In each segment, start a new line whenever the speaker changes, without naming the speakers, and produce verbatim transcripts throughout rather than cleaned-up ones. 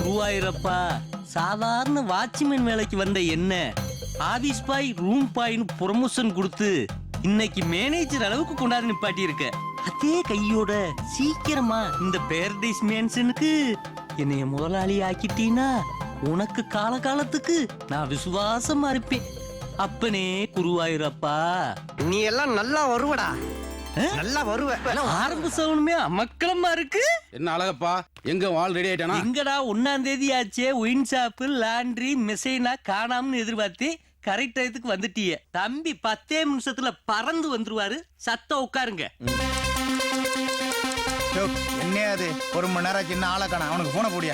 குருவாயிரப்பா, சாதாரண வாட்ச்மேன் வேலைக்கு வந்த என்ன ஆபீஸ் பாய் ரூம் பாய்னு ப்ரொமோஷன் கொடுத்து இன்னைக்கு மேனேஜர் அளவுக்கு கொண்டாந்து நிப்பாட்டி இருக்க. அதே கையோட சீக்கிரமா இந்த பேரடைஸ் மேன்ஷனுக்கு என்னைய முதலாளி ஆக்கிட்டீனா உனக்கு காலகாலத்துக்கு நான் விசுவாசமா இருப்பேன். அப்பனே குருவாயிரப்பா,
நீ எல்லாம் நல்லா வருவடா, நல்லா வருவ.
ஆரம்ப சவுனுமே அமக்கலமா இருக்கு.
என்ன அழகப்பா, எங்க வால் ரெடி ஆயிட்டானா?
எங்கடா ஒன்னாம் தேதி ஆச்சே, ஒயின் ஷாப்பு லாண்ட்ரி மெசைனா காணாமனு எதிர்பார்த்து கரெக்ட் டயத்துக்கு வந்துட்டிய. தம்பி பத்தே நிமிஷத்துல பறந்து வந்துருவாரு. சத்தம் உட்காருங்க.
என்னையாது ஒரு மணி நேரம் சின்ன ஆளை காண, அவனுக்கு போன போடியா.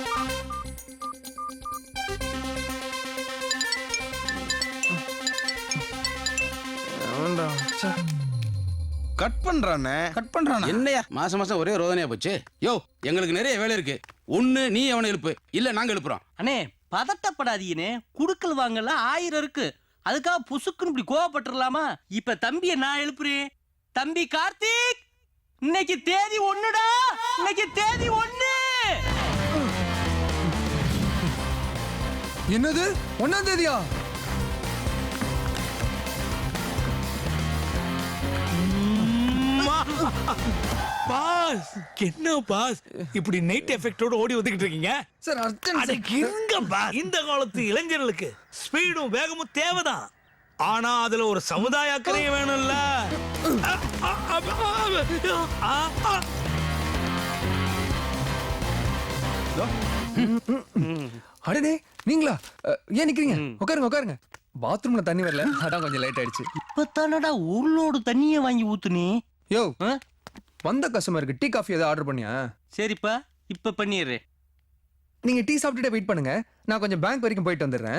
கட் பண்றானே
கட் பண்றானே
என்னையா மாசம் மாசம் ஒரே ரோதனையா போச்சு. யோ, எங்களுக்கு நிறைய வேலை இருக்கு. ஒண்ணு நீ அவனை எழுப்பு, இல்ல நாங்க எழுப்புறோம்.
அண்ணே பதட்டப்படாதீங்கனே, குடுக்கல் வாங்கல ஆயிரம் இருக்கு. அதுக்காக புசுக்குன்னு இப்படி கோவப்பட்டுலாமா? இப்ப தம்பியை நான் எழுப்புறேன். தம்பி கார்த்திக், இன்னைக்கு தேதி ஒண்ணுடா, இன்னைக்கு தேதி ஒண்ணு.
என்னது ஒன்னாம் தேதியா?
பாஸ், என்ன பாஸ் இப்படி நைட் எஃபெக்டோட ஓடி வந்துகிட்டு இருக்கீங்க?
சார் அர்ஜென்ட்
இருங்க பாஸ். இந்த காலத்து இளைஞர்களுக்கு ஸ்பீடும் வேகமும் தேவைதான். ஆனா அதுல ஒரு சமுதாய அக்கறையும் வேணும்ல.
அடடே நீங்களா? ஏன் நிக்கிறீங்க? உட்காருங்க உட்காருங்க. பாத்ரூம்ல தண்ணி வரல, அதான் கொஞ்சம் லேட் ஆயிடுச்சு.
இப்பதானடா ஊர்லோடு தண்ணிய வாங்கி ஊத்துனே.
யோ, வந்த கஸ்டமருக்கு டீ காஃபி ஏதாவது ஆர்டர் பண்ணியா?
சரிப்பா, இப்ப பண்ணிடுறேன்.
நீங்க டீ சாப்பிட்டுட்டே வெயிட் பண்ணுங்க, நான் கொஞ்சம் பேங்க் வரைக்கும் போயிட்டு வந்துடுறேன்.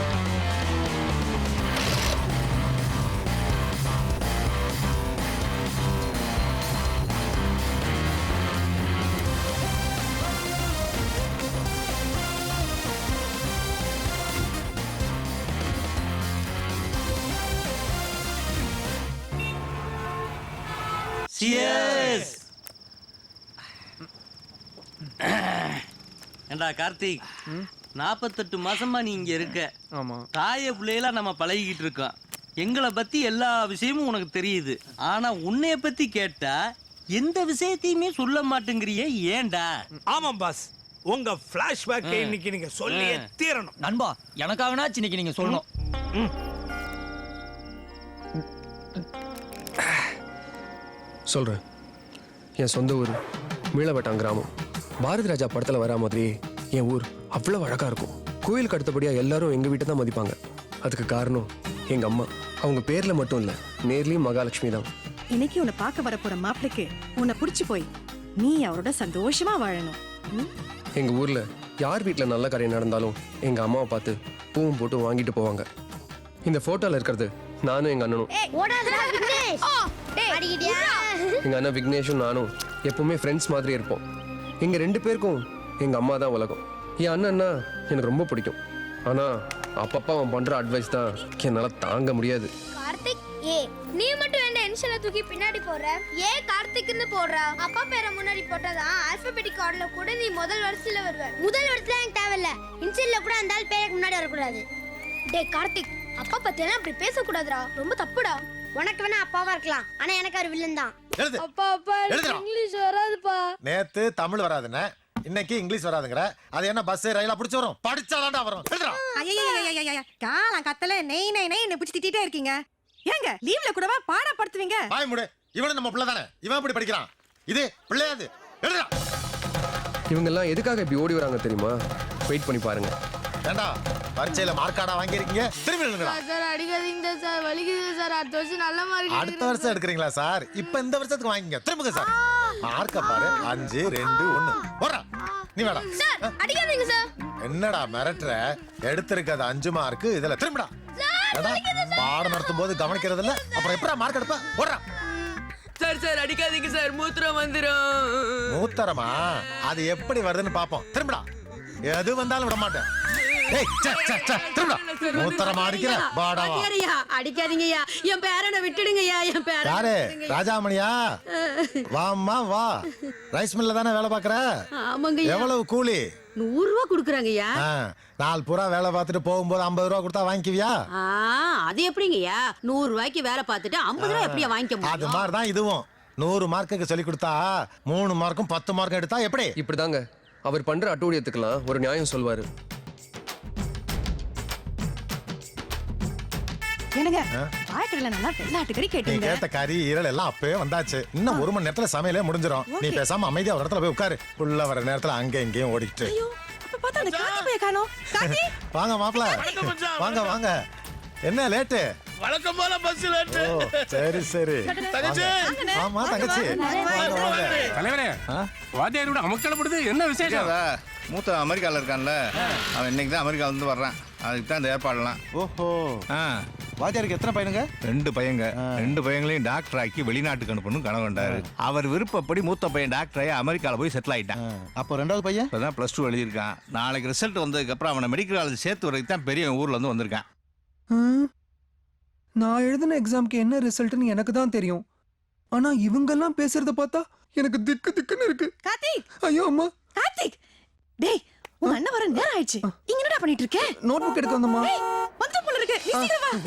Cheers. ஏண்டா கார்த்திக், நாற்பத்தெட்டு மாசமா நீ இங்க இருக்க.
ஆமா,
தாய பிள்ளையெல்லாம் நம்ம பழகிக்கிட்டு இருக்கோம். எங்களை பத்தி எல்லா விஷயமும் உனக்கு தெரியுது. ஆனா உன்னைய பத்தி கேட்டா எந்த விஷயத்தையுமே சொல்ல மாட்டேங்கிறியே, ஏண்டா?
ஆமாம் பாஸ், உங்க பிளாஷ்பேக் இன்னைக்கு நீங்க சொல்லியே தீரணும்.
நண்பா, எனக்காகனா இன்னைக்கு நீங்க சொல்லணும்.
சொல்கிறேன். என் சொந்த ஊர் மீளவட்டான் கிராமம். பாரதி ராஜா படத்தில் வரா மாதிரி என் ஊர் அவ்வளோ அழகாக இருக்கும். கோயிலுக்கு அடுத்தபடியாக எல்லாரும் எங்கள் வீட்டை தான் மதிப்பாங்க. அதுக்கு காரணம் எங்கள் அம்மா. அவங்க பேரில் மட்டும் இல்லை, நேர்லேயும் மகாலட்சுமி தான்.
இன்னைக்கு உன்னை பார்க்க வர போகிற மாப்பிளைக்கு உன்னை பிடிச்சி போய் நீ அவரோட சந்தோஷமா வாழணும்.
எங்கள் ஊரில் யார் வீட்டில் நல்ல காரியம் நடந்தாலும் எங்கள் அம்மாவை பார்த்து பூவும் போட்டு வாங்கிட்டு போவாங்க. இந்த ஃபோட்டோவில் இருக்கிறது நானும் எங்கள் அண்ணனும். எங்கள் அண்ணன் விக்னேஷும் நானும் எப்பவுமே ஃப்ரெண்ட்ஸ் மாதிரி இருப்போம். எங்கள் ரெண்டு பேருக்கும் எங்கள் அம்மா தான் உலகம். என் அண்ணன்னா எனக்கு ரொம்ப பிடிக்கும். ஆனால் அப்பப்போ அவன் பண்ணுற அட்வைஸ் தான் என்னால் தாங்க முடியாது.
கார்த்திக், ஏ நீ மட்டும் என்ன இன்ஷியலை தூக்கி பின்னாடி போடுற? ஏ கார்த்திக்னு போடுற? அப்பா பேரை முன்னாடி போட்டதான் ஆல்பபெட்டிக் ஆர்டர்ல கூட நீ முதல் வரிசையில வருவ. முதல் வரிசையில எனக்கு தேவையில்ல, இன்ஷியல்ல கூட அந்த ஆள் பேருக்கு முன்னாடி வரக்கூடாது. டே கார்த்திக், அப்பா பத்தியெல்லாம் அப்படி பேசக்கூடாதுடா, ரொம்ப தப்புடா. உனக்கு வேணா அப்பாவா இருக்கலாம், ஆனா எனக்கு அவர் வில்லன் தான்.
அப்பா அப்பா இங்கிலீஷ் வராதுப்பா.
நேத்து தமிழ் வராதுன்னு, இன்னைக்கு இங்கிலீஷ் வராதுங்கற. அது என்ன பஸ் ரயிலா பிடிச்சு வரும்? படிச்சாதான்டா வரும்.
ஐயா காலம் கத்தல நெய் நெய் நெய் என்ன பிடிச்சி திட்டிட்டே இருக்கீங்க. ஏங்க லீவ்ல கூடவா பாடப்படுத்துவீங்க?
பாய் முடு. இவனும் நம்ம பிள்ளை தானே, இவன் இப்படி படிக்கிறான். இது பிள்ளையாது. எழுதுடா.
இவங்கெல்லாம் எதுக்காக இப்படி ஓடி வராங்க தெரியுமா? வெயிட் பண்ணி பாருங்க.
ஏண்டா பரீட்சையில மார்க் கார்டா வாங்கி இருக்கீங்க, திரும்பி எழுதுங்கடா.
சார் அடிக்காதீங்க சார், வலிக்குது சார். அடுத்த வருஷம் நல்ல மார்க்.
அடுத்த வருஷம் எடுக்கிறீங்களா சார்? இப்ப இந்த வருஷத்துக்கு வாங்கிங்க, திரும்புங்க சார். மார்க்க பாரு, அஞ்சு ரெண்டு ஒண்ணு. போடா நீ வேடா.
சார் அடிக்காதீங்க சார்.
என்னடா மிரட்டுற? எடுத்திருக்கிறது அஞ்சு மார்க், இதுல திரும்புடா. பாடம் நடத்தும் போது கவனிக்கிறது இல்ல, அப்புறம் எப்படா மார்க் எடுப்ப? போடுறா.
சார் சார் அடிக்காதீங்க சார், மூத்திரம் வந்துரும்.
மூத்தரமா? அது எப்படி வருதுன்னு பாப்போம். திரும்புடா. எது வந்தாலும் விட மாட்டேன். ஏய் சே சே சே திரும்புடா. மூத்தரமா அடிக்கிற பாடாவா?
அடிக்காதீங்கய்யா, என் பேரனை விட்டுடுங்கய்யா. என் பேரன்
யாரு? ராஜாமணியா? வாம்மா வா. ரைஸ் மில்ல தானே வேலை பாக்குற?
ஆமாங்க.
எவ்வளவு கூலி?
நூறு ரூபா குடுக்குறாங்கய்யா.
ஆ, நாலு பூரா வேலை பார்த்துட்டு போகும்போது ஐம்பது ரூபா கொடுத்தா வாங்கிக்குவியா?
ஆ, அது எப்படிங்கய்யா? நூறு ரூபாய்க்கு வேலை பார்த்துட்டு ஐம்பது ரூபாய் எப்படியா வாங்கிக்க
அது
முடியும்?
மாதிரி தான் இதுவும். நூறு மார்க்குக்கு சொல்லி கொடுத்தா மூணு மார்க்கும் பத்து மார்க்கும் எடுத்தா எப்படி?
இப்படிதாங்க அவர் பண்ற அட்டூழியத்துக்கெல்லாம் ஒரு நியாயம் சொல்வாரு.
என்னங்க ஆயிரத்துல நல்லா வெள்ளாட்டுக்கறி
நீ
கேட்டீங்க.
கேட்ட கறி ஈரல் எல்லாம் அப்பவே வந்தாச்சு. இன்னும் ஒரு மணி நேரத்துல சமையலே முடிஞ்சிடும். நீ பேசாம அமைதியா ஒரு இடத்துல போய் உட்காரு. உள்ள வர நேரத்துல அங்க இங்கேயும் ஓடிக்கிட்டு.
ஐயோ, அப்ப பார்த்தா அந்த காக்கி போய் காணோம். காக்கி
வாங்க மாப்பிள, வாங்க வாங்க. என்ன லேட்டு?
வழக்கம் போல பஸ் லேட்டு.
ஓ, சரி சரி.
தங்கச்சி.
வாங்க. ஆமா தங்கச்சி, வாங்க வாங்க.
தலைவரே வாத்தியாரோட அமக்கலப்படுது என்ன விசேஷம்?
மூத்த அமெரிக்காவில் இருக்கான்ல, அவன் இன்னைக்கு தான் அமெரிக்கா வந்து வர்றான். அதுக்கு தான் இந்த ஏற்பாடுலாம்.
ஓஹோ,
ஆ,
வாத்தியாருக்கு எத்தனை பையனுங்க?
ரெண்டு பையங்க, ரெண்டு பையங்களையும் டாக்டர் ஆக்கி வெளிநாட்டுக்கு அனுப்பணும் கனவு கண்டாரு. அவர் விருப்பப்படி மூத்த பையன் டாக்டர் ஆகி அமெரிக்காவில் போய் செட்டில் ஆயிட்டான்.
அப்போ ரெண்டாவது பையன்
இப்போ தான் ப்ளஸ் டூ எழுதியிருக்கான். நாளைக்கு ரிசல்ட் வந்ததுக்கப்புறம் அவனை மெடிக்கல் காலேஜ் சேர்த்து வரைக்கும் தான் பெரிய ஊர்ல இருந்து வந்திருக்கான்.
நான் எழுதின எக்ஸாம்க்கு என்ன ரிசல்ட்னு எனக்கு தான் தெரியும். ஆனா இவங்கெல்லாம் பேசுறத பார்த்தா எனக்கு திக்கு திக்குன்னு இருக்கு.
கார்த்திக்,
ஐயோ அம்மா,
கார்த்திக். டேய், உங்க அண்ணன் வர நேரம் ஆயிடுச்சு. இங்க என்னடா பண்ணிட்டு இருக்க?
நோட் புக் எடுக்க வந்தம்மா.
டேய், வந்து போல இருக்கு. நீ சீக்கிரம் வா.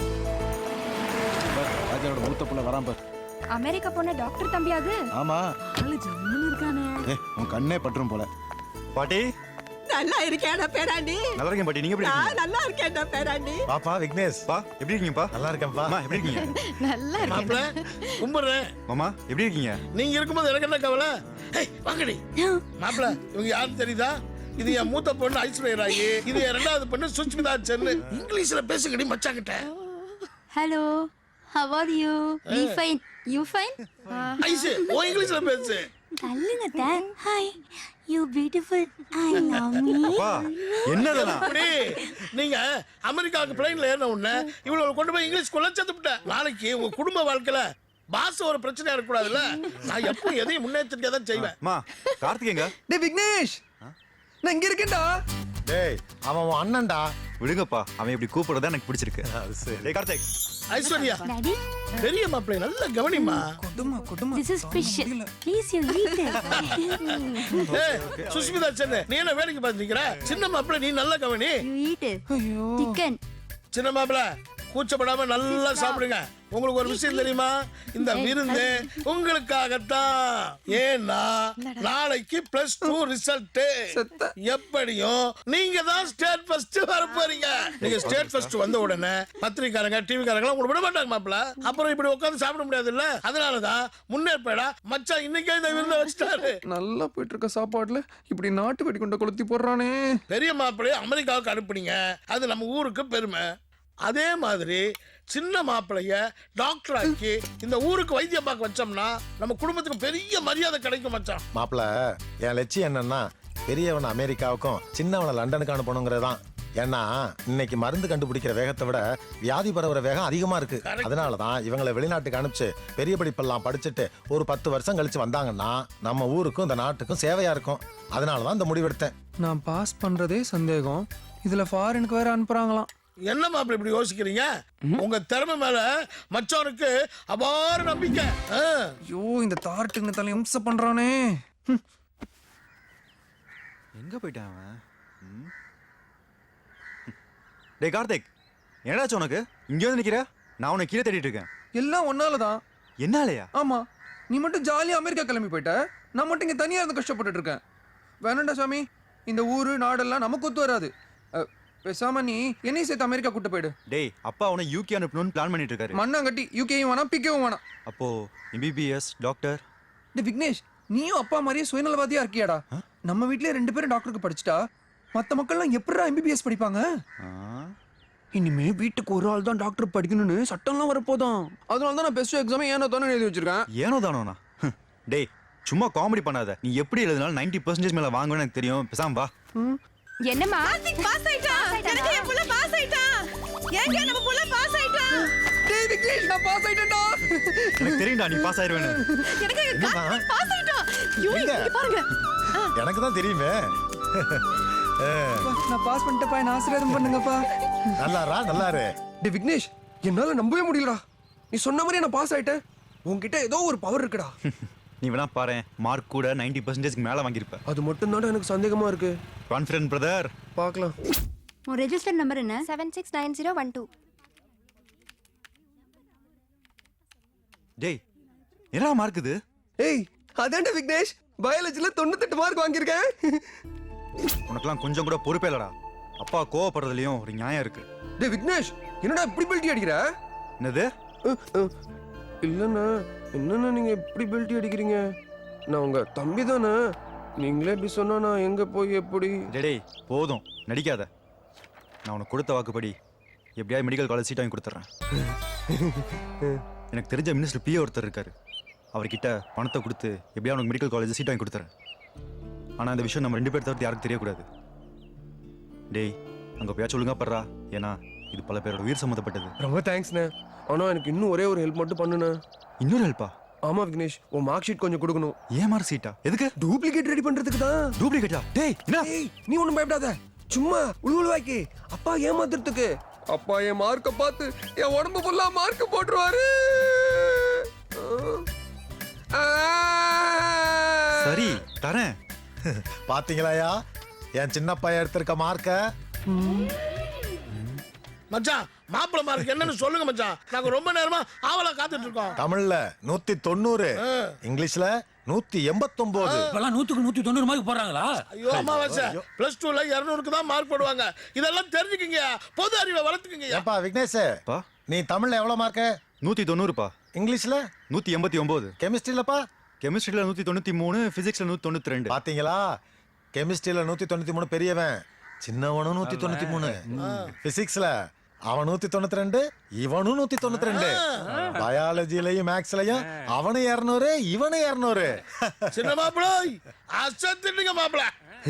வாத்தியாரோட மூத்த புள்ள வரான் பார்.
அமெரிக்கா போன டாக்டர் தம்பியாது.
ஆமா,
ஆளு ஜம்முன்னு இருக்கானே.
ஏய் உன் கண்ணே பற்றும் போல. பாட்டி
நல்லா இருக்கேடா பேராண்டி.
நல்லா இருக்கேன் பாட்டி, நீங்க எப்படி
நான்
இருக்கீங்க?
நல்லா இருக்கேன்டா பேராண்டி.
பாப்பா விக்னேஷ்,
பா எப்படி இருக்கீங்கப்பா?
நல்லா இருக்கேன்ப்பா.
அம்மா எப்படி இருக்கீங்க?
நல்லா
மாப்பிள
இருக்கேன்.
கும்பிடுறேன்.
மாமா எப்படி இருக்கீங்க?
நீங்க இருக்கும்போது எனக்கு என்ன கவலை? ஏய், வாங்கடி. மாப்பிள இவங்க யாரும் தெரியுதா? இது என் மூத்த பொண்ணு ஐஸ்வர்யா ராயி, இது என் ரெண்டாவது பொண்ணு சுஷ்மிதா சென்னு. இங்கிலீஷ்ல பேசுங்கடி மச்சாங்கிட்ட.
Hello, how are you? We fine. You fine?
ஐஸ் ஓ இங்கிலீஷ்ல பேசு.
தள்ளுங்க தான். Hi, you beautiful. I love me.
அப்பா என்னதெல்லாம்?
அப்படி நீங்க அமெரிக்காவுக்கு பிளைன்ல ஏறின உடனே இவ்வளவு கொண்டு போய் இங்கிலீஷ் குள்ள சேர்த்துட்டேன். நாளைக்கு உங்க குடும்ப வாழ்க்கையில பாச ஒரு பிரச்சனையா இருக்கக்கூடாதுல்ல. நான் எப்போ எதையும் முன்னெச்சரிக்கையா தான் செய்வேன்.
அம்மா கார்த்திகேங்க.
டேய் விக்னேஷ், நான் இங்க இருக்கேன்டா.
டேய் அவன் உன் அண்ணன்டா.
விடுங்கப்பா, அவன் இப்படி கூப்பிடுறதா எனக்கு பிடிச்சிருக்கு.
அது சரி.
டேய் கார்த்திக்.
ஐஸ்வர்யா
டாடி,
பெரிய மாப்பிள்ளை நல்ல கவனிமா.
கொடுமா கொடுமா.
This is fish. Please you eat it.
ஏய் சுஷ்மிதா சென்னு, நீ என்ன வேலைக்கு பார்த்து நிக்கிற? சின்ன மாப்பிள்ளை நீ நல்ல கவனி.
You eat it.
ஐயோ,
சிக்கன்.
சின்ன மாப்பிள்ளை கூச்சப்படாம நல்லா சாப்பிடுங்க. உங்களுக்கு ஒரு விஷயம் தெரியுமா? இந்த விருந்து உங்களுக்காகத்தான். ஏன்னா நாளைக்கு பிளஸ் டூ ரிசல்ட். எப்படியும் நீங்க தான் ஸ்டேட் ஃபர்ஸ்ட் வர போறீங்க. நீங்க ஸ்டேட் ஃபர்ஸ்ட் வந்த உடனே பத்திரிக்காரங்க டிவிக்காரங்க உங்களுக்கு விட மாட்டாங்க மாப்பிள்ள. அப்புறம் இப்படி உட்காந்து சாப்பிட முடியாது இல்ல. அதனாலதான் முன்னேற்படா மச்சான் இன்னைக்கே இந்த விருந்த வச்சுட்டாரு.
நல்லா போயிட்டு இருக்க சாப்பாடுல இப்படி நாட்டு வெடி கொண்ட கொளுத்தி போடுறானே.
பெரிய மாப்பிள்ளைய அமெரிக்காவுக்கு அனுப்புனீங்க, அது நம்ம ஊருக்கு பெருமை. அதே மாதிரி சின்ன மாப்பிளைய டாக்டர் ஆக்கி இந்த ஊருக்கு வைத்தியம் பார்க்க வச்சோம்னா நம்ம குடும்பத்துக்கு பெரிய மரியாதை கிடைக்கும் மச்சான்.
மாப்பிள என் லட்சியம் என்னன்னா பெரியவனை அமெரிக்காவுக்கும் சின்னவனை லண்டனுக்கு அனுப்பணுங்கிறது தான். ஏன்னா இன்னைக்கு மருந்து கண்டுபிடிக்கிற வேகத்தை விட வியாதி பரவுற வேகம் அதிகமா இருக்கு. அதனாலதான் இவங்களை வெளிநாட்டுக்கு அனுப்பிச்சு பெரிய படிப்பெல்லாம் படிச்சுட்டு ஒரு பத்து வருஷம் கழிச்சு வந்தாங்கன்னா நம்ம ஊருக்கும் இந்த நாட்டுக்கும் சேவையா இருக்கும். அதனாலதான் இந்த முடிவெடுத்தேன்.
நான் பாஸ் பண்றதே சந்தேகம், இதுல ஃபாரினுக்கு வேற அனுப்புறாங்களாம்.
என்ன மாப்பிள்ளை இப்படி யோசிக்கிறீங்க? உங்க திறமை மேல மச்சானுக்கு அபார நம்பிக்கை. ஆ.
ஐயோ, இந்த தார்ட்டுங்க தலை இம்சை பண்றானே. ம்.
எங்க போயிட்டான் அவன்? ம்? டேய் கார்த்திக், என்னடாச்சு உனக்கு? இங்க வந்து நிக்கிற? நான் உன்னை கீழே தேடிட்டு இருக்கேன்.
எல்லாம் ஒன்னாலதான்.
என்னாலயா?
ஆமா, நீ மட்டும் ஜாலியா அமெரிக்கா கிளம்பி போயிட்ட, நான் மட்டும் இங்க தனியா இருந்து கஷ்டப்பட்டுட்டு இருக்கேன். வேணாண்டா சாமி, இந்த ஊரு நாடெல்லாம் நமக்கு ஒத்து வராது. அ, பேசாம நீ என்னையும் சேர்த்து அமெரிக்கா கூட்டு போயிடு.
டேய் அப்பா அவனை யூகே அனுப்பணும்னு பிளான் பண்ணிட்டு இருக்காரு.
மண்ணாங்கட்டி யூகேயும் வேணாம் பிகேவும் வேணாம்.
அப்போ எம்பிபிஎஸ் டாக்டர்.
டேய் விக்னேஷ், நீயும் அப்பா மாதிரியே சுயநலவாதியா இருக்கியாடா? நம்ம வீட்லயே ரெண்டு பேரும் டாக்டருக்கு படிச்சுட்டா மத்த மக்கள்லாம் எப்படிடா எம்பிபிஎஸ் படிப்பாங்க? இனிமே வீட்டுக்கு ஒரு ஆள் தான் டாக்டர் படிக்கணும்னு சட்டம்லாம் வரப்போதான். அதனால தான் நான் பெஸ்ட் எக்ஸாம் ஏனோ தானே எழுதி வச்சிருக்கேன்.
ஏனோ தானோண்ணா? டேய் சும்மா காமெடி பண்ணாத. நீ எப்படி எழுதினாலும் நைன்டி பர்சன்டேஜ் மேல வாங்குவேன்னு எனக்கு தெரியும். பேசாம வா.
என்னம்மா? கார்த்திக் பாஸ் ஆயிட்டான். எனக்கு என் புள்ள பாஸ் ஆயிட்டான். ஏங்க நம்ம புள்ள பாஸ் ஆயிட்டான்.
டேய் விக்னேஷ், நான் பாஸ் ஆயிட்டேன்டா.
எனக்கு தெரியும்டா நீ பாஸ் ஆயிருவேன்னு.
எனக்கு கார்த்திக் பாஸ் ஆயிட்டான். யூ இங்க பாருங்க.
எனக்கு தான் தெரியுமே.
நான் பாஸ் பண்ணிட்டப்பா, என்ன ஆசீர்வாதம் பண்ணுங்கப்பா.
நல்லாரா நல்லாரு.
டேய் விக்னேஷ், என்னால நம்பவே முடியலடா. நீ சொன்ன மாதிரி நான் பாஸ் ஆயிட்டேன். உன்கிட்ட ஏதோ ஒரு பவர் இருக்குடா.
நீ வேணா பாரு மார்க் கூட நைன்டி பர்சன்டேஜ்க்கு மேல வாங்கியிருப்ப.
அது மட்டும் தான் எனக்கு சந்தேகமா இருக்கு.
Confident brother.
பார்க்கலாம்.
உன் ரெஜிஸ்டர் நம்பர் என்ன? Seven six nine zero one two.
டேய் என்னடா மார்க் இது?
ஏய் அதான்டா விக்னேஷ், பயாலஜில தொண்ணூத்தெட்டு மார்க் வாங்கியிருக்கேன்.
உனக்கெல்லாம் கொஞ்சம் கூட பொறுப்பே இல்லடா. அப்பா கோவப்படுறதுலயும் ஒரு நியாயம் இருக்கு.
டேய் விக்னேஷ், என்னடா இப்படி பெல்ட்டி அடிக்கிற?
என்னது?
இல்லண்ணா, என்னண்ணா நீங்க இப்படி பெல்ட்டி அடிக்கிறீங்க? நான் உங்க தம்பி தானே, நீங்களே இப்படி சொன்னா நான் எங்க போய் எப்படி?
டேய் போதும் நடிக்காத. நான் உனக்கு கொடுத்த வாக்குப்படி எப்படியாவது மெடிக்கல் காலேஜ் சீட் வாங்கி கொடுத்துட்றேன். எனக்கு தெரிஞ்ச மினிஸ்டர் பிஏ ஒருத்தர் இருக்காரு, அவர்கிட்ட பணத்தை கொடுத்து எப்படியா உனக்கு மெடிக்கல் காலேஜ் சீட் வாங்கி கொடுத்துறேன். ஆனால் இந்த விஷயம் நம்ம ரெண்டு பேர் தவிர்த்து யாருக்கும் தெரியக்கூடாது. டேய் அங்கே போயா சொல்லுங்க படுறா, ஏன்னா இது பல பேரோட உயிர் சம்மந்தப்பட்டது.
ரொம்ப தேங்க்ஸ்ண்ணே. ஆனால் எனக்கு இன்னும் ஒரே ஒரு ஹெல்ப் மட்டும் பண்ணுண்ணே.
இன்னொரு ஹெல்ப்பா?
ஆமா விக்னேஷ், உன் மார்க் ஷீட் கொஞ்சம் கொடுக்கணும்.
ஏன் மார்க் ஷீட்டா? எதுக்கு?
டூப்ளிகேட் ரெடி பண்றதுக்கு தான்.
டூப்ளிகேட்டா? டேய் என்ன?
நீ ஒன்றும் பயப்படாத, சும்மா உழுவுழுவாக்கி அப்பா ஏமாத்துறதுக்கு. அப்பா என் மார்க்கை பார்த்து என் உடம்பு ஃபுல்லா மார்க் போட்டுருவாரு.
சரி தரேன்.
பாத்தீங்களாயா என் சின்ன பையன் எடுத்திருக்க மார்க்க?
மச்சான் மாப்பிள மார்க் என்னன்னு சொல்லுங்க மச்சான், நாங்க ரொம்ப நேரமா ஆவலா காத்துட்டு இருக்கோம்.
தமிழ்ல நூத்தி தொண்ணூறு, இங்கிலீஷ்ல நூத்தி எண்பத்தி ஒன்பது.
இப்பெல்லாம் நூத்துக்கு நூத்தி தொண்ணூறு மார்க் போடுறாங்களா?
ஐயோ அமாவாசை, பிளஸ் டூல இருநூறுக்கு தான் மார்க் போடுவாங்க. இதெல்லாம் தெரிஞ்சுக்கங்க, பொது அறிவை வளர்த்துக்கங்க.
ஏப்பா விக்னேஷ், நீ தமிழ்ல எவ்வளவு மார்க்?
நூத்தி தொண்ணூறுப்பா.
இங்கிலீஷ்ல
நூத்தி எண்பத்தி ஒன்பது.
கெமிஸ்ட்ரியிலப்பா?
கெமிஸ்ட்ரியில நூத்தி தொண்ணூத்தி மூணு, பிசிக்ஸ்ல நூத்தி தொண்ணூத்தி ரெண்டு.
பாத்தீங்களா, கெமிஸ்ட்ரியில நூத்தி தொண்ணூத்தி மூணு பெரியவன், சின்னவனும் நூத்தி தொண்ணூத்தி மூணு. பிசிக்ஸ்ல அவன் நூத்தி தொண்ணூத்தி ரெண்டு, இவனும் நூத்தி தொண்ணூத்தி ரெண்டு. பயாலஜிலையும் மேக்ஸ்லயும் அவனு இருநூறு, இவனு இருநூறு.
சின்ன மாப்பிள அசத்திட்டீங்க மாப்பிள.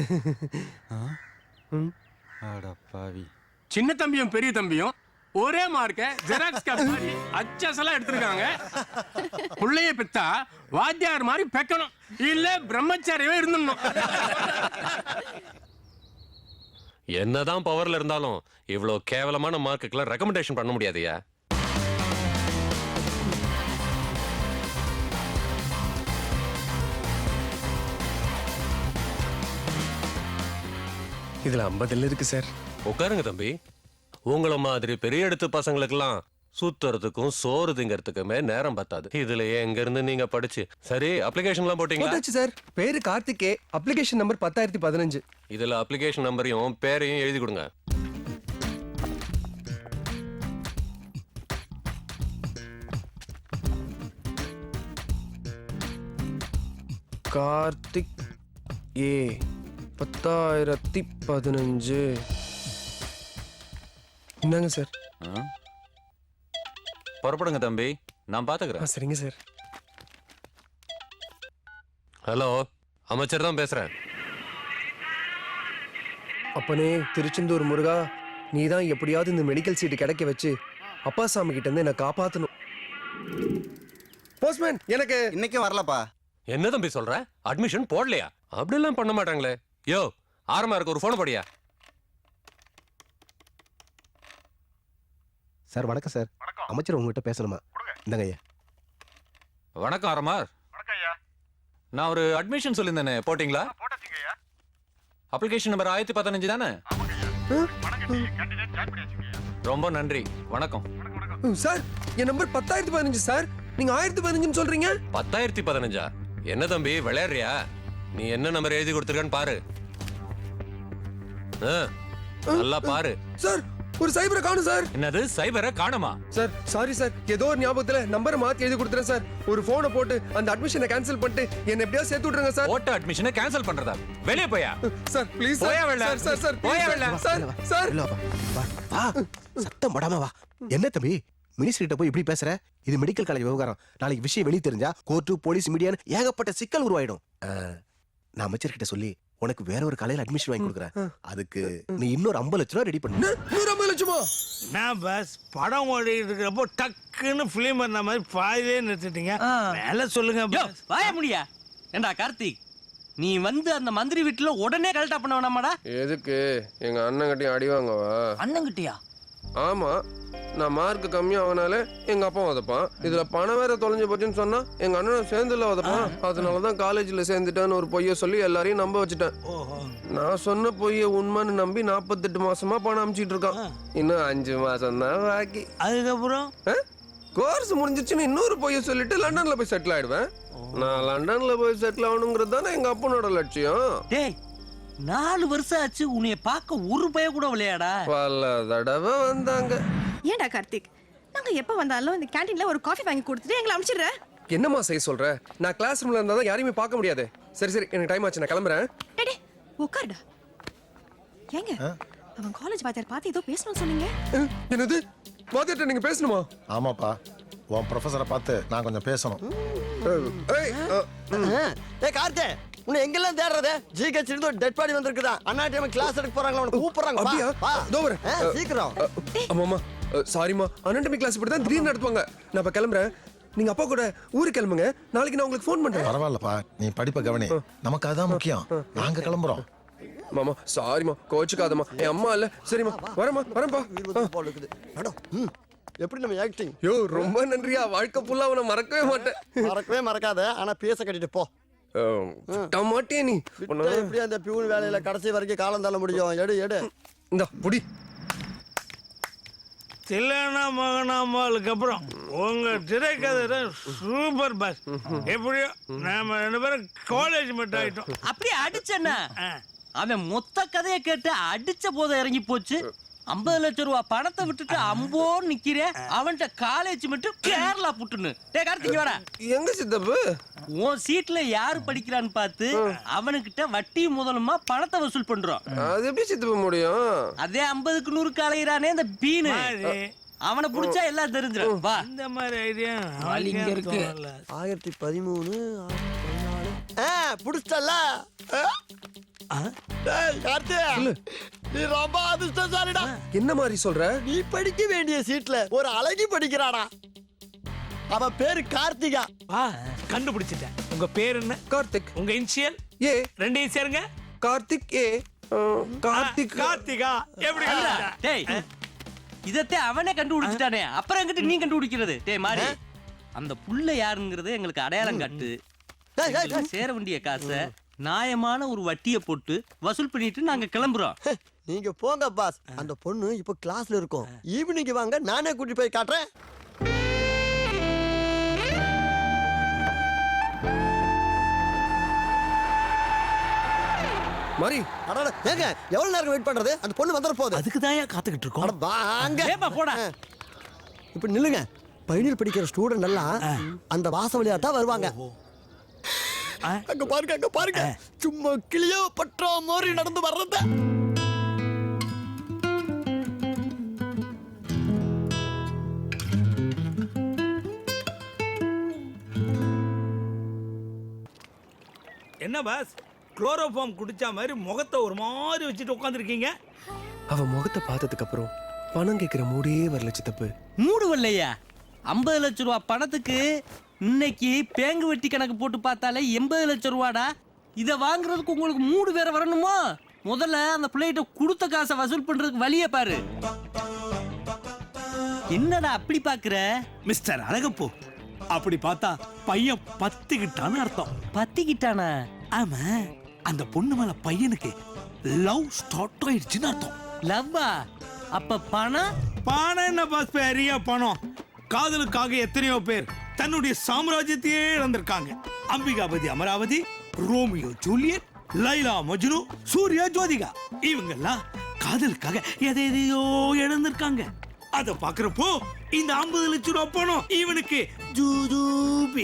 அடப்பாவி.
சின்ன தம்பியும் பெரிய தம்பியும் ஒரே மார்க்க ஜெராக்ஸ் காப்பி மாதிரி அச்சசலா எடுத்திருக்காங்க. புள்ளைய பெத்தா வாத்தியார் மாதிரி பெக்கணும், இல்ல பிரம்மச்சாரியவே இருந்துடணும்.
என்னதான் பவர்ல இருந்தாலும் இவ்வளவு கேவலமான மார்க்குக்கெல்லாம் ரெக்கமெண்டேஷன் பண்ண முடியாதுயா.
இதுல ஐம்பதுல இருக்கு சார்.
உட்காருங்க தம்பி. உங்கள மாதிரி பெரிய இடத்து பசங்களுக்கெல்லாம் சுத்துறதுக்கும் சோறு திங்கறதுக்குமே நேரம் பத்தாது. இதுல எங்க இருந்து நீங்க படிச்சு சரி அப்ளிகேஷன் எல்லாம் போட்டீங்களா?
போட்டாச்சு சார். பேரு கார்த்திகே, அப்ளிகேஷன் நம்பர் பத்தாயிரத்தி பதினஞ்சு.
இதுல அப்ளிகேஷன் நம்பரையும் பேரையும் எழுதி கொடுங்க.
கார்த்திக் ஏ, பத்தாயிரத்தி பதினஞ்சு. என்னங்க சார்?
புறப்படுங்க தம்பி, நான் பாத்துக்கிறேன்.
சரிங்க சார்.
ஹலோ, அமைச்சர் தான் பேசுறேன்.
அப்பனே திருச்செந்தூர் முருகா, நீ தான் எப்படியாவது இந்த மெடிக்கல் சீட்டு கிடைக்க வச்சு அப்பா சாமி கிட்ட இருந்து என்ன காப்பாத்தணும். போஸ்ட்மேன் எனக்கு
இன்னைக்கு வரலப்பா.
என்ன தம்பி சொல்ற? அட்மிஷன் போடலையா? அப்படிலாம் பண்ண மாட்டாங்களே. யோ ஆரமா இருக்கு, ஒரு போன் போடியா.
சார் வணக்கம் சார். அமைச்சர் உங்ககிட்ட பேசணுமா? இந்தாங்க ஐயா.
வணக்கம் ஆரமார். நான் ஒரு அட்மிஷன் சொல்லியிருந்தேனே, போட்டீங்களா? அப்ளிகேஷன் நம்பர் ஆயிரத்தி பதினஞ்சு தானே? ரொம்ப நன்றி, வணக்கம்.
சார் என் நம்பர் பத்தாயிரத்தி பதினஞ்சு சார், நீங்க ஆயிரத்தி பதினஞ்சுன்னு சொல்றீங்க.
பத்தாயிரத்தி பதினஞ்சா? என்ன தம்பி விளையாடுறியா? நீ என்ன நம்பர் எழுதி கொடுத்துருக்கன்னு பாரு. நல்லா பாரு.
சார் ஒரு சைபரை காணும் சார்.
என்னது சைபரை காணுமா?
சார் சாரி சார், ஏதோ ஒரு ஞாபகத்துல நம்பரை மாத்தி எழுதி கொடுத்துறேன் சார். ஒரு போனை போட்டு அந்த அட்மிஷனை கேன்சல் பண்ணிட்டு என்ன எப்படியாவது சேர்த்து விட்டுருங்க சார்.
ஓட்ட அட்மிஷனை கேன்சல் பண்றதா? வெளியே போயா
சார் ப்ளீஸ்
போயா வெளில.
சார் சார் சார்
போயா வெளில.
சார் சார்
வா சத்தம் படாம வா. என்ன தம்பி மினிஸ்டர் கிட்ட போய் இப்படி பேசுற? இது மெடிக்கல் காலேஜ் விவகாரம். நாளைக்கு விஷயம் வெளியே தெரிஞ்சா கோர்ட்டு போலீஸ் மீடியான்னு ஏகப்பட்ட சிக்கல் உருவாயிடும். நான் அமைச்சர் கிட்ட சொல்லி உனக்கு வேற ஒரு காலையில அட்மிஷன் வாங்கி கொடுக்குறேன். அதுக்கு நீ இன்னொரு ஐம்பது லட்சம் ரூபாய் ரெடி பண்ணு.
நூறு ஐம்பது லட்சமா?
நான் பஸ் படம் ஓடிட்டு இருக்கிறப்போ டக்குன்னு பிலிம் பண்ண மாதிரி பாதிலே நிறுத்திட்டீங்க. மேல சொல்லுங்க.
வாய முடியா? ஏண்டா கார்த்திக், நீ வந்து அந்த மந்திரி வீட்டுல உடனே கலெக்டா பண்ண வேணாமாடா?
எதுக்கு? எங்க அண்ணன் கிட்டயும் அடி வாங்கவா?
அண்ணன் கிட்டியா?
ஆமா நான் மார்க் கம்மியா ஆனாலே எங்க அப்பா உதப்பான் இதுல பணம் வேற தொலைஞ்சு போச்சுன்னு சொன்னா எங்க அண்ணனும் சேர்ந்துல உதப்பான் அதனாலதான் காலேஜ்ல சேர்ந்துட்டான்னு ஒரு பொய்ய சொல்லி எல்லாரையும் நம்ப வச்சுட்டேன் நான் சொன்ன பொய்ய உண்மைன்னு நம்பி நாற்பத்தெட்டு மாசமா பணம் அனுப்பிச்சிட்டு இருக்கான் இன்னும் அஞ்சு மாசம் தான் பாக்கி.
அதுக்கப்புறம்
கோர்ஸ் முடிஞ்சிச்சுன்னு இன்னொரு பொய்ய சொல்லிட்டு லண்டன்ல போய் செட்டில் ஆயிடுவேன். நான் லண்டன்ல போய் செட்டில் ஆகணுங்கிறது தானே எங்க அப்பனோட லட்சியம்.
டேய் நாலு வருஷம் ஆச்சு உன்னைய பார்க்க ஒரு பய கூட விளையாடா.
பல தடவை வந்தாங்க.
ஏன்டா கார்த்திக் நாங்க எப்ப வந்தாலும் இந்த கேண்டீன்ல ஒரு காஃபி வாங்கி கொடுத்துட்டு எங்களை அனுப்பிச்சிடுற.
என்னம்மா செய்ய சொல்ற? நான் கிளாஸ் ரூம்ல இருந்தா தான் யாரையுமே பார்க்க முடியாது. சரி சரி எனக்கு டைம் ஆச்சு நான் கிளம்புறேன்.
டேய் உட்காருடா. ஏங்க அவன் காலேஜ் வாத்தியார் பார்த்து ஏதோ பேசணும்னு சொன்னீங்க.
என்னது வாத்தியார்ட்ட நீங்க பேசணுமா?
ஆமாப்பா உன் ப்ரொஃபஸரை பார்த்து நான் கொஞ்சம் பேசணும்.
ஏய்
ஏய் கார்த்தே உன்னை எங்கெல்லாம் தேடுறது? ஜிஹெச் இருந்து ஒரு டெட் பாடி வந்திருக்குதா? அண்ணா டைம் கிளாஸ் எடுக்க போறாங்களா? உன்னை கூப்பிடுறாங்க.
அப்படியா?
வா
இதோ வரேன்.
சீக்கிரம்.
ஆமாமா சாரிமா அனாட்டமி கிளாஸ் இப்படி தான் திடீர்னு நடத்துவாங்க. நான் இப்ப கிளம்புறேன். நீங்க அப்பா கூட ஊருக்கு கிளம்புங்க. நாளைக்கு நான் உங்களுக்கு ஃபோன் பண்றேன்.
பரவாயில்லப்பா நீ படிப்பை கவனி. நமக்கு அதான் முக்கியம். நாங்க கிளம்புறோம்.
மாமா சாரிமா கோச்சுக்காதம்மா. என் அம்மா இல்ல. சரிம்மா வரேம்மா வரேன்ப்பா.
மேடம் எப்படி நம்ம ஆக்டிங்?
யோ ரொம்ப நன்றியா. வாழ்க்கை ஃபுல்லா உன்னை மறக்கவே மாட்டேன்.
மறக்கவே மறக்காத. ஆனா பேச கட்டிட்டு போ.
மாட்டே நீ
எப்படி அந்த பியூன் வேலையில கடைசி வரைக்கும் காலம் தள்ள முடியும்? எடு எடு
இந்த புடி.
தில்லானா மகனாமாலுக்கு அப்புறம் உங்க திரைக்கதை சூப்பர் பாஸ். எப்படியோ நாம ரெண்டு பேரும் காலேஜ் மட்டும் ஆயிட்டோம்.
அப்படியே அடிச்சேன்னா அவன் மொத்த கதையை கேட்டு அடிச்ச போத இறங்கி போச்சு. ஐம்பது லட்சம் ரூபா பணத்தை விட்டுட்டு அம்போ நிக்கிறேன். அவன்கிட்ட காலேஜ் மட்டும் கேரளா புட்டுன்னு. டே கார்த்திக் வாடா.
எங்க சித்தப்பு?
உன் சீட்ல யாரு படிக்கிறான்னு பார்த்து அவனுக்கிட்ட வட்டி முதலுமா பணத்தை வசூல் பண்றோம்.
அது எப்படி சித்தப்ப முடியும்?
அதே ஐம்பதுக்கு நூறு காலையிறானே இந்த பீனு. அவனை புடிச்சா எல்லாம் தெரிஞ்சிடும். வா
இந்த மாதிரி ஐடியா
இங்க இருக்கு.
ஆயிரத்தி பதிமூணு புடிச்சல. நீ ரொம்ப அதிர்ஷ்டசாலிடா.
என்ன மாதிரி சொல்ற?
நீ படிக்க வேண்டிய சீட்ல ஒரு அழகி படிக்கிறாடா. அவ பேரு கார்த்திகா.
கண்டுபிடிச்சிட்டேன். உங்க பேர் என்ன?
கார்த்திக்.
உங்க இனிஷியல்?
ஏ.
ரெண்டையும் சேருங்க.
கார்த்திக் ஏ. கார்த்திக்
கார்த்திகா. எப்படி?
டேய் இதத்தே அவனே கண்டுபிடிச்சிட்டானே. அப்புறம் எங்கிட்ட நீ கண்டுபிடிக்கிறது? டேய் மாறி அந்த புள்ள யாருங்கிறது எங்களுக்கு அடையாளம் காட்டு. சேர வேண்டிய காசை நியாயமான ஒரு வட்டியை போட்டு வசூல் பண்ணிட்டு நாங்க கிளம்புறோம்.
நீங்க போங்க பாஸ். அந்த பொண்ணு இப்ப கிளாஸ்ல இருக்கும். ஈவினிங் வாங்க நானே கூட்டி போய் காட்டுறேன்.
மாரி
அடடா ஏங்க எவ்வளவு நேரம் வெயிட் பண்றது? அந்த பொண்ணு வந்துற போகுது.
அதுக்கு தான் காத்துக்கிட்டு இருக்கோம்.
வாங்க
ஏப்பா போடா.
இப்ப நில்லுங்க. பைனல் படிக்கிற ஸ்டூடெண்ட் எல்லாம் அந்த வாச வழியா தான் வருவாங்க. அங்க பாருங்க அங்க பாருங்க. சும்மா கிளியோ பற்றோ மாதிரி நடந்து வர்றத.
என்ன பாஸ் குளோரோஃபார்ம் குடிச்ச மாதிரி முகத்தை ஒரு மாதிரி வச்சுட்டு உட்காந்துருக்கீங்க?
அவன் முகத்தை பார்த்ததுக்கு அப்புறம் பணம் கேட்கிற மூடே வரல சித்தப்பு.
மூடு வரலையா? ஐம்பது லட்சம் ரூபா பணத்துக்கு இன்னைக்கு பேங்கு வெட்டி கணக்கு போட்டு பார்த்தாலே எண்பது லட்சம் ரூபாடா. இதை வாங்குறதுக்கு உங்களுக்கு மூடு வேற வரணுமா? முதல்ல அந்த பிள்ளைகிட்ட கொடுத்த காசை வசூல் பண்றதுக்கு வழியை பாரு. என்னடா அப்படி பாக்குற?
மிஸ்டர் அழகப்போ அப்படி பார்த்தா பையன் பத்திக்கிட்டான்னு அர்த்தம்.
பத்திக்கிட்டானா?
ஆமா அந்த பொண்ணு மேல பையனுக்கு லவ் ஸ்டார்ட் ஆயிடுச்சுன்னு அர்த்தம்.
லவ்வா? அப்ப பணம்?
பணம் என்ன பாஸ் பெரிய பணம். காதலுக்காக எத்தனையோ பேர் தன்னுடைய சாம்ராஜ்யத்தையே இழந்திருக்காங்க. அம்பிகாபதி அமராவதி, ரோமியோ ஜூலியட், லைலா மஜ்னு, சூர்யா ஜோதிகா இவங்கெல்லாம் காதலுக்காக எதை எதையோ இழந்திருக்காங்க. அத பாக்குறப்போ இந்த ஐம்பது லட்சம் ரூபாய் பணம் இவனுக்கு ஜூஜூபி.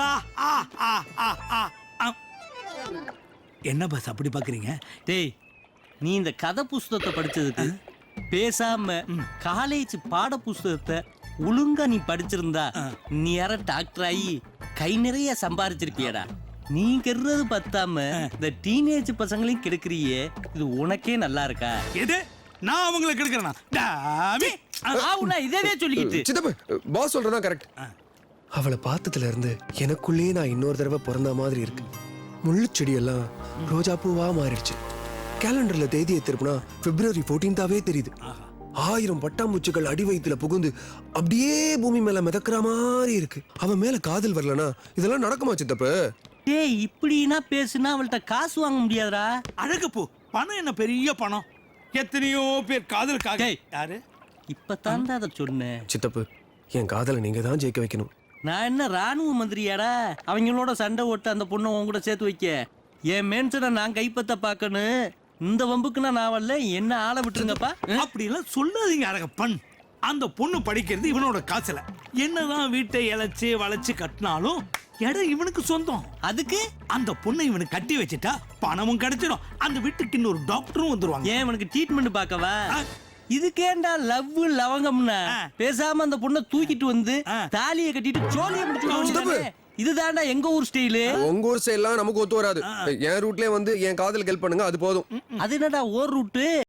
என்ன பாஸ் அப்படி பாக்குறீங்க?
டேய் நீ இந்த கதை புஸ்தகத்தை படிச்சதுக்கு பேசாம காலேஜ் பாட புஸ்தகத்தை ஒழுங்கா நீ படிச்சிருந்தா நீ யார டாக்டர் ஆகி கை நிறைய சம்பாரிச்சிருப்பியடா. நீ கெடுறது பத்தாம இந்த டீனேஜ் பசங்களையும் கெடுக்கிறியே, இது உனக்கே நல்லா இருக்கா?
எது நான் அவங்களை கெடுக்கிறேனா? டாமி
ஆவுனா இதே சொல்லிக்கிட்டு.
சித்தப்பு பாஸ் சொல்றதா கரெக்ட்.
அவளை பார்த்ததுல இருந்து எனக்குள்ளேயே நான் இன்னொரு தடவை பிறந்த மாதிரி இருக்கு. முள்ளு செடியெல்லாம் ரோஜா பூவா மாறிடுச்சு. கேலண்டர்ல தேதியை திருப்பினா பிப்ரவரி பதினான்காவே தெரியுது. ஆயிரம் பட்டாம்பூச்சிகள் அடி வயித்துல புகுந்து அப்படியே பூமி மேல மிதக்கிற மாதிரி இருக்கு. அவன் மேல காதல் வரலனா இதெல்லாம் நடக்குமா சித்தப்பு?
டேய் இப்படின்னா பேசுனா அவள்கிட்ட காசு வாங்க முடியாதுடா.
அழகு போ, பணம் என்ன பெரிய பணம். எத்தனையோ பேர் காதலுக்காக. யாரு
இப்பதான் அதை சொன்னேன்.
சித்தப்பு, என் காதலை நீங்க தான் ஜெயிக்க வைக்கணும்.
நான் என்ன ராணுவ மந்திரியாடா அவங்களோட சண்டை ஓட்டு அந்த பொண்ணை உன் கூட சேர்த்து வைக்க? என் மேன்சனை நான் கைப்பற்ற பார்க்கணும். இந்த வம்புக்குன்னா நான் வரல, என்ன ஆளை விட்டுருங்கப்பா.
அப்படி எல்லாம் சொல்லாதீங்க அழகப்பன். அந்த பொண்ணு படிக்கிறது இவனோட காசுல. என்னதான் வீட்டை இழைச்சு வளைச்சு கட்டினாலும் இடம் இவனுக்கு சொந்தம்.
அதுக்கு
அந்த பொண்ணை இவனுக்கு கட்டி வச்சுட்டா பணமும் கிடைச்சிடும். அந்த வீட்டுக்கு இன்னொரு டாக்டரும் வந்துருவாங்க.
ஏன் இவனுக்கு ட்ரீட்மெண்ட் பார்க்கவா? இதுக்கேண்டா லவ் லவங்கம்னா பேசாம அந்த பொண்ணை தூக்கிட்டு வந்து தாலியை கட்டிட்டு சோழியை முடிச்சு. இதுதான்டா எங்க ஊர் ஸ்டைலு.
உங்க ஊர் ஸ்டைல்லாம் நமக்கு ஒத்து வராது. என் ரூட்லயே வந்து என் காதலுக்கு ஹெல்ப் பண்ணுங்க, அது போதும்.
அது என்னடா ஓர் ரூட்டு?